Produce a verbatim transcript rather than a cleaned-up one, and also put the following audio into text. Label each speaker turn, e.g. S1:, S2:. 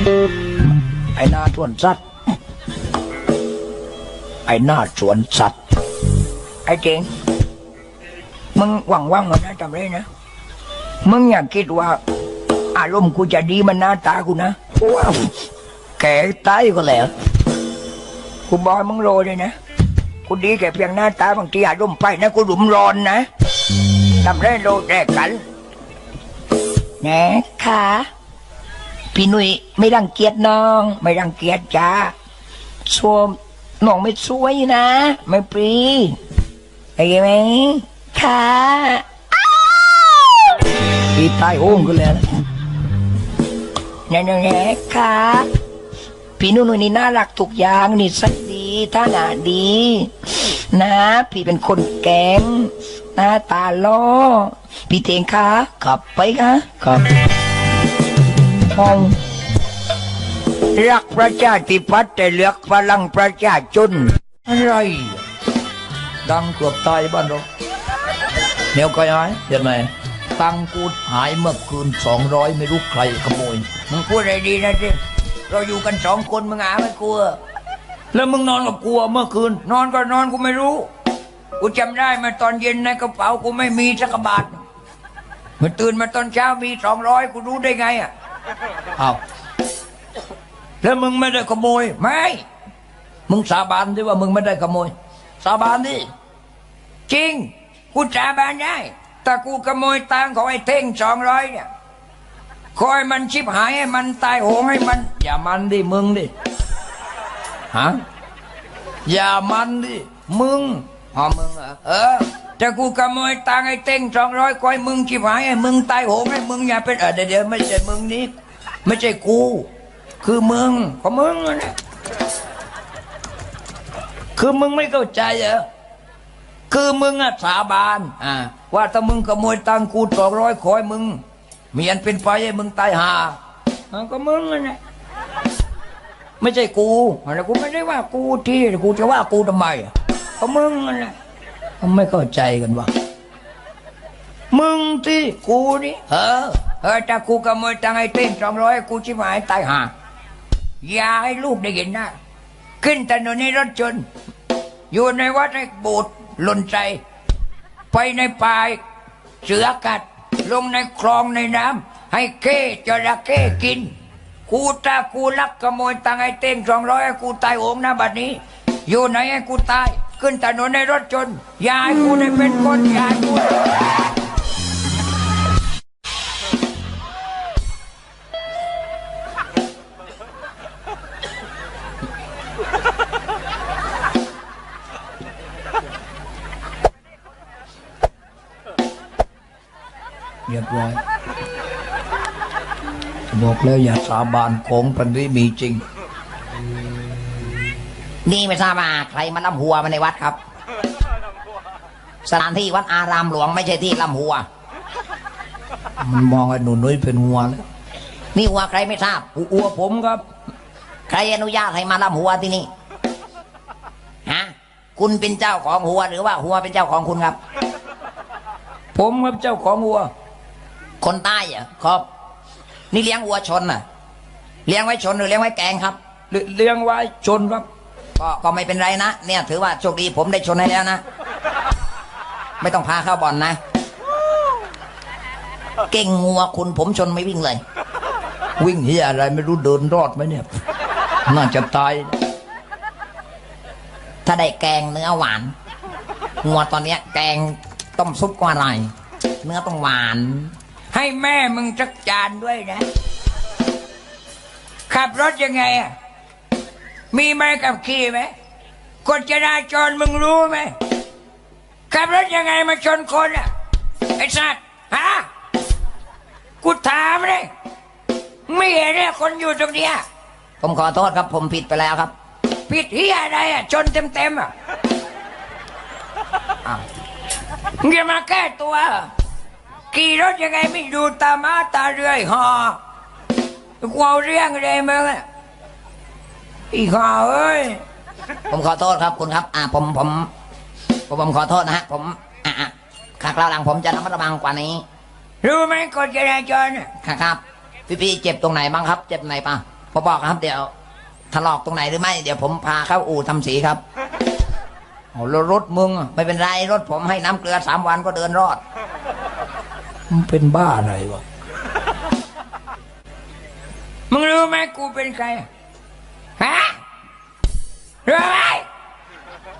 S1: ไอ้หน้าสวนสัตว์ไอ้หน้าสวนสัตว์ไอ้เจงมึงหวังว่างๆนะจำได้นะมึงอยากคิดว่าอารมณ์กูจะดีมันหน้าตากูนะว้าวแก่ตายก็แล้วกูบอยมึงโรยเลยนะกูดีแค่เพียงหน้าตาบางทีอารมณ์ไปนะกูหลุมร้อนนะทำได้โรแรกกันนะค่ะพี่หนุ่ยไม่รังเกียจน้องไม่รังเกียจจ้าชมน้องไม่สวยนะไม่ปรีไอ้ไหมค่ะพี่ตายโอ้งกันเลยนะนั่นแหละค่ะพี่นุ่นนี่น่ารักทุกอย่างนี่สักดีท่าหนาดีนะพี่เป็นคนแกงหน้าตาล้อพี่เตงค่ะขับไปค่ะขับห้องรักประชาธิปัตย์แต่เลือกพลังประชาชนอะไรดังเกือบตายบ้านเราเนียวก็ยังไงเห็นไหมตังกูหายเมื่อคืนสองร้อยไม่รู้ใครขโมยมึงพูดอะไรดีนะสิเราอยู่กันสองคนมึงหาไม่กลัวแล้วมึงนอนกับกลัวเมื่อคืนนอนก็นอนกูไม่รู้กูจำได้มาตอนเย็นในกระเป๋ากูไม่มีสักบาทมันตื่นมาตอนเช้ามีสองร้อยกูรู้ได้ไงอ่ะอ้าวแล้วมึงไม่ได้ขโมยไม่มึงสาบานดิว่ามึงไม่ได้ขโมยสาบานดิจริงกูสาบานได้แต่กูขโมยตังของไอ้เท่งสองร้อยเนี่ยคอยมันชิบหายให้มันตายโหงให้มันอย่ามันดิมึงดิฮะอย่ามันดิมึงอ๋อมึงเหรอเออแต่กูขโมยตังไอ้เท่งสองร้อยคอยมึงชิบหายให้มึงตายโหงให้มึงอย่าเป็นเออเดี๋ยวไม่ใช่มึงนี่ไม่ใช่กูคือมึงของมึงนะคือมึงไม่เข้าใจเหรอคือมึงอะสาบานอ่าว่าถ้ามึงขโมยตังกูสองร้อยคอยมึงมีอันเป็นไฟให้มึงตายห่าก็มึงนะไม่ใช่กูอะไรกูไม่ได้ว่ากูที่กูจะว่ากูทำไมก็มึงนะเขาไม่เข้าใจกันวะมึงที่กูนี่เออเออถ้ากูขโมยตังไอ้เต้นสองร้อยกูชิบหายตายห่าอย่าให้ลูกได้เห็นนะขึ้นถนนในรถจนอยู่ในวัดในโบสถ์หล่นใจไปในป่าเสือกัดลงในคลองในน้ำให้เก้จระเข้กินกูตากูลักขโมยตังไอ้เต้งสองร้อยให้กูตายโหงนะบัดนี้อยู่ไหนให้กูตายขึ้นถนนในรถจนยายกูได้เป็นคนยายกูเรียบร้อยบอกแล้วอย่าสาบานของพันธุ์มีจริงนี่ไม่ทราบว่าใครมาล่ำหัวมาในวัดครับสถานที่วัดอารามหลวงไม่ใช่ที่ล่ำหัวมันมองไอ้หนูนุ้ยเป็นหัวแล้วนี่หัวใครไม่ทราบหัวผมครับใครอนุญาตให้มาล่ำหัวที่นี่ฮะคุณเป็นเจ้าของหัวหรือว่าหัวเป็นเจ้าของคุณครับผมครับเจ้าของหัวคนใต้อ่ะครับนี่เลี้ยงวัวชนน่ะเลี้ยงไว้ชนหรือเลี้ยงไว้แกงครับเลี้ยงไว้ชนครับก็ก็ไม่เป็นไรนะเนี่ยถือว่าโชคดีผมได้ชนให้แล้วนะไม่ต้องพาเข้าบ่อนนะเก่งงัวคุณผมชนไม่วิ่งเลยวิ่งเฮียอะไรไม่รู้เดินรอดไหมเนี่ยน่าจะตายถ้าได้แกงเนื้อหวานงัวตอนนี้แกงต้มซุปก็อร่อยเนื้อต้องหวานให้แม่มึงจักจานด้วยนะขับรถยังไงอ่ะมีไม้ขับขี่ไหมกฎจราจรมึงรู้ไหมขับรถยังไงมาชนคนอ่ะไอ้สัตว์ฮะกูถามเลยไม่เห็นเนี่ยคนอยู่ตรงเนี้ยผมขอโทษครับผมผิดไปแล้วครับผิดเฮียอะไรอ่ะชนเต็มเต็มอ่ะมึงจะมาแก้ตัวขี่รถยังไงไม่ดูตาม้าตาเรื่อยหอกูเอาเรื่องเลยมึงอ่ะอีกห่อเอ้ยผมขอโทษครับคุณครับอ่าผมผมผมผมขอโทษนะฮะผมอ่าคราวหลังผมจะระมัดระวังกว่านี้รู้ไหมกฎจราจรครับพี่พี่เจ็บตรงไหนบ้างครับเจ็บไหนปะ
S2: พอบอกครับเดี๋ยวถลอกตรงไหนหรือไม่เดี๋ยวผมพาเข้าอู่ทำสีครับโอ้รถมึงไม่เป็นไรรถผมให้น้ำเกลือสามวันก็เดินรอด
S1: มึงเป็นบ้าอะไรวะ มึงรู้ไหมกูเป็นใครฮะรู้ไหม